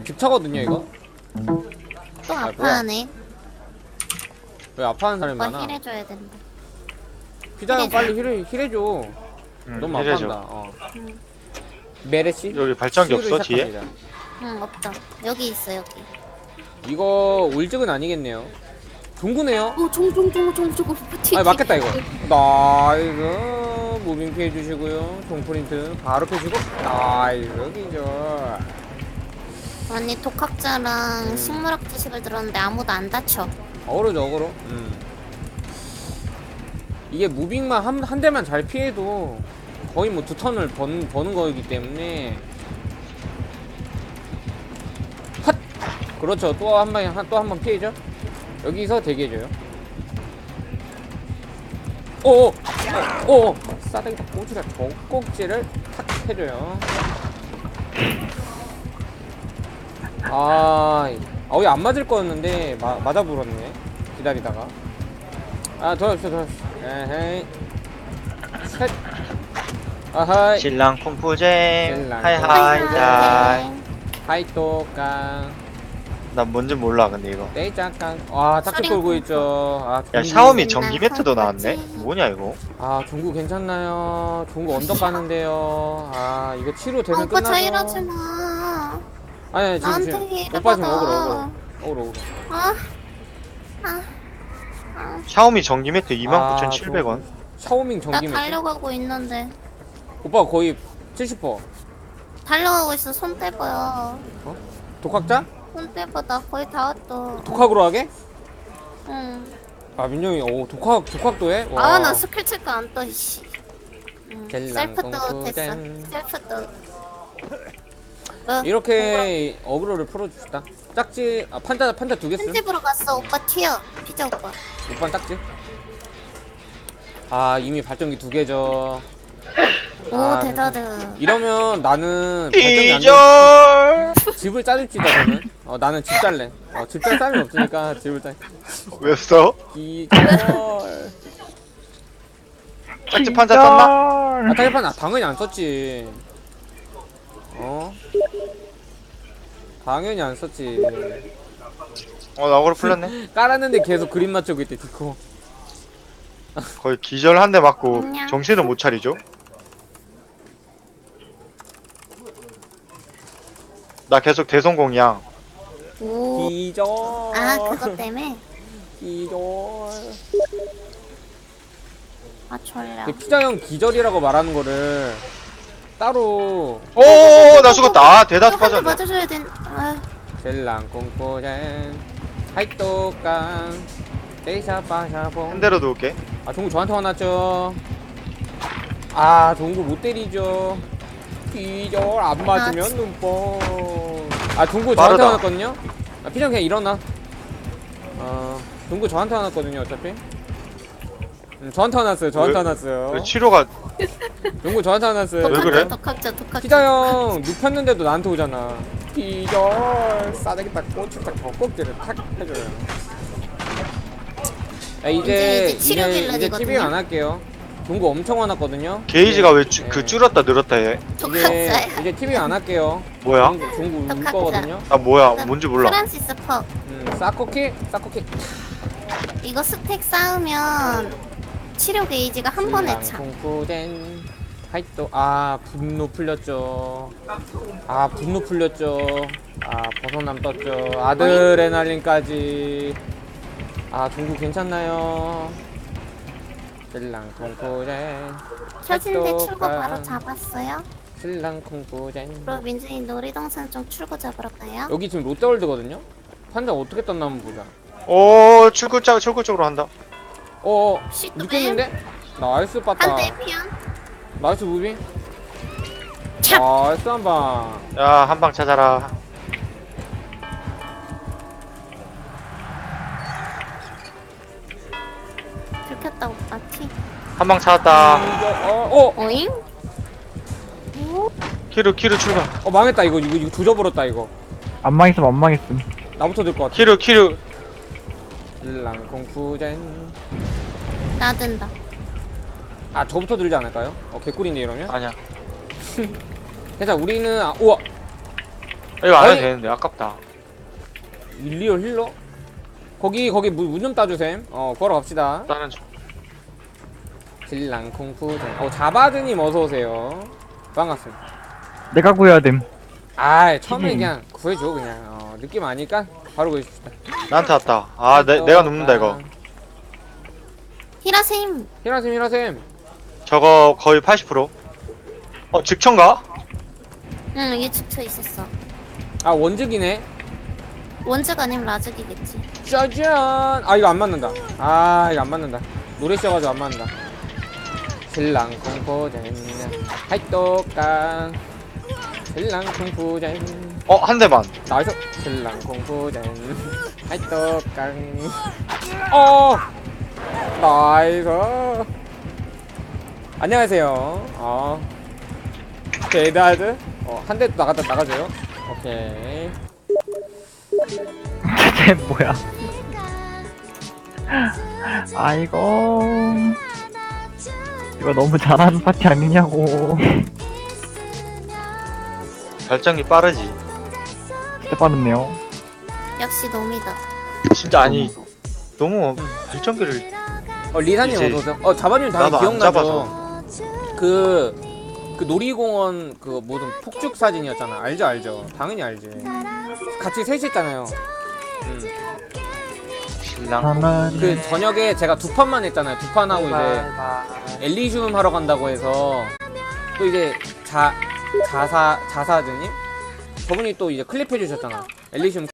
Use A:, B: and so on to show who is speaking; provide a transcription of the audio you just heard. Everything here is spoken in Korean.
A: 깁차거든요 이거.
B: 또
A: 뭐야.
B: 아파하네.
A: 왜 아파하는 사람이
B: 오빠
A: 많아?
B: 힐해줘야 된다.
A: 피자형
B: 힐해줘.
A: 빨리 힐해줘. 너무
C: 이래죠.
A: 아파한다. 메르시?
C: 여기 발전기 없어
A: 치유를
C: 뒤에?
A: 시작합니다.
B: 응, 없다. 여기 있어, 여기.
A: 이거 울직은 아니겠네요. 동구네요.
B: 저거
A: 아 맞겠다 이거. 나이스 무빙 피해 주시고요. 동프린트 바로 펴주고 나이스 기절.
B: 언니 독학자랑 식물학 지식을 들었는데 아무도 안 다쳐.
A: 어그로죠 어그로. 이게 무빙만 한 대만 잘 피해도 거의 뭐 2턴을 버는 거이기 때문에 핫! 그렇죠. 또 한 번 피해죠. 여기서 대기해줘요. 오오 싸대기다 꼬지라 젖꼭지를 탁 해줘요. 왜 안 맞을 거였는데 맞아 불었네. 기다리다가 더 없어 에헤이 셋 아하이
C: 신랑 쿵푸잼
A: 신랑
C: 하이하이하이.
A: 하이또깡
C: 난 뭔지 몰라 근데 이거.
A: 떼짝깡 짝짓
B: 소리.
A: 걸고 있죠.
C: 야
A: 종구.
C: 샤오미 전기 매트도 나왔네? 뭐냐 이거?
A: 종구 괜찮나요? 종구 언덕 가는데요. 이거 치료 되면
B: 오빠
A: 끝나죠.
B: 저 이러지 마.
A: 아니
B: 나한테
A: 지금
B: 이래
A: 오빠 지금
B: 받아.
A: 억울어.
B: 아,
C: 샤오미 전기 매트 29,700원.
A: 샤오밍
B: 나
A: 전기 매트.
B: 달려가고 있는데.
A: 오빠 거의 70%.
B: 달려가고 있어. 손 떼봐요.
A: 독학자?
B: 손 떼봐. 나 거의 다 왔어.
A: 독학으로 하게?
B: 응.
A: 민영이 독학도 해?
B: 나 스킬 체크 안 떠, 씨.
A: 젤랑
B: 셀프도 됐어.
A: 똥꾸잼.
B: 셀프도.
A: 이렇게 어그로를 풀어줍시다. 짝지 판자 2개 쓰.
B: 편집으로 갔어. 오빠 튀어. 피자 오빠.
A: 오빠 짝지. 이미 발전기 2개죠.
B: 오, 대단해.
A: 이러면 나는 발전기 안
C: 기절.
A: 집을 짜줄지다 저는. 나는 집 짤래. 집 짤 사람이 없으니까 집을 짤.
C: 왜 써?
A: 기절.
C: 짝지 판자 떴나?
A: 타이판 당연히 안 썼지. 당연히 안 썼지.
C: 나 억울로 풀렸네.
A: 깔았는데 계속 그림 맞추고 있대 디코.
C: 거의 기절 한 대 맞고
B: 안녕.
C: 정신을 못 차리죠? 나 계속 대성공이야.
B: 오.
A: 기절.
B: 그것 때문에?
A: 기절.
B: 졸려.
A: 그 피자형 기절이라고 말하는 거를 따로
C: 나 죽었다. 대다수
B: 한 대
C: 빠졌네.
B: 맞아줘야 된.
A: 젤랑 꽁꼬젠 하이또깡 떼샤빠샤봉.
C: 한 대로 누울게.
A: 종구 저한테 화났죠. 종구 못 때리죠. 기절 안 맞으면 눈뽕. 종구 저한테
C: 빠르다.
A: 화났거든요. 피자형 그냥 일어나. 종구 저한테 화났거든요 어차피. 저한테 화났어요. 저한테
C: 왜?
A: 화났어요.
C: 왜 치료가
A: 종구 저한테 화났어요.
C: 왜 그래?
B: 독학자.
A: 피자형 눕혔는데도 나한테 오잖아. 기절 싸대기 딱 꼬치 딱 젖꼭지를 탁 해줘요.
B: 이제 치료
A: 이제
B: 빌런이거든요.
A: TVing 안 할게요. 종구 엄청 화났거든요.
C: 게이지가 왜
A: 네.
C: 줄었다 늘었다 해?
B: 독학자야.
A: 이제 TVing 안 할게요.
C: 뭐야?
A: 종구 울
B: 독학자.
A: 거거든요.
C: 나 뭐야? 뭔지 몰라.
B: 프란시스 퍽.
A: 싸코키.
B: 이거 스택 쌓으면 치료 게이지가 한 번에 차.
A: 공쿠덴 하이또 분노 풀렸죠. 분노 풀렸죠. 벗어남 떴죠. 아드레날린까지. 종구 괜찮나요? 신랑 콩쿠젠
B: 켜진데 출구 바로 잡았어요.
A: 신랑 콩쿠젠.
B: 그럼 민준이 놀이동산 좀 출구 잡으러 가요.
A: 여기 지금 롯데월드거든요? 판자 어떻게 떴나 한번 보자.
C: 출구 쪽으로 한다.
B: 시트
A: 느꼈는데? 나이스 빠따.
B: 한대 피한.
A: 나이스 무빙.
B: 찹!
A: 나이스 한방.
C: 야, 한 방 찾아라.
B: 들켰다 오빠 티.
C: 한 방 찾았다.
B: 오잉?
C: 키루 출발.
A: 망했다 이거 조져버렸다 이거.
D: 안 망했음 안 망했음.
A: 나부터 들 것 같아.
C: 키루
A: 신랑 콩쿠젠.
B: 나든다.
A: 저부터 들지 않을까요? 개꿀인데 이러면?
C: 아니야.
A: 괜찮아 우리는 우와
C: 이거 안
A: 아니.
C: 해도 되는데 아깝다.
A: 리얼 힐러? 거기 문 좀 따주셈. 걸어 갑시다.
C: 다른 쪽.
A: 질랑 콩푸. 자바드님 어서 오세요. 반갑습니다.
D: 내가 구해야 됨.
A: 아, 처음에
D: 튀김.
A: 그냥 구해줘 그냥. 느낌 아니까 바로 구해줍시다.
C: 나한테 왔다. 아 내가 눕는다 이거.
B: 히라셈.
A: 히라셈.
C: 저거 거의 80%. 직천가?
B: 응, 이게 집혀 있었어.
A: 아, 원즉이네.
B: 원즈가 아니면 라즈기겠지.
A: 짜잔. 아, 이거 안 맞는다. 이거 안 맞는다. 노래 셔가지고 안 맞는다. 질랑 콩푸젠 하이또깡 질랑 콩푸젠
C: 한 대만.
A: 나이스. 질랑 콩푸젠 하이또깡 나이스. 안녕하세요. 데드하드. 한 대 또 나가줘요. 오케이.
D: 쟤 뭐야? 아이고. 이거 너무 잘하는 파티 아니냐고.
C: 발전기 빠르지.
D: 진짜 빠르네요.
B: 역시 놈이다.
C: 진짜 아니 너무 발전기를
A: 리사님
C: 이제
A: 어서오세요. 자바님 당연히
C: 나도 안
A: 기억나죠? 그 놀이공원 그 무슨 폭죽 사진이었잖아. 알죠? 당연히 알지. 같이 셋이 했잖아요.
C: 신랑.
D: 나는
A: 그 저녁에 제가 2판만 했잖아요. 2판 하고 이제 엘리시움 하러 간다고 해서 또 이제 자사드님? 저분이 또 이제 클립 해주셨잖아. 엘리시움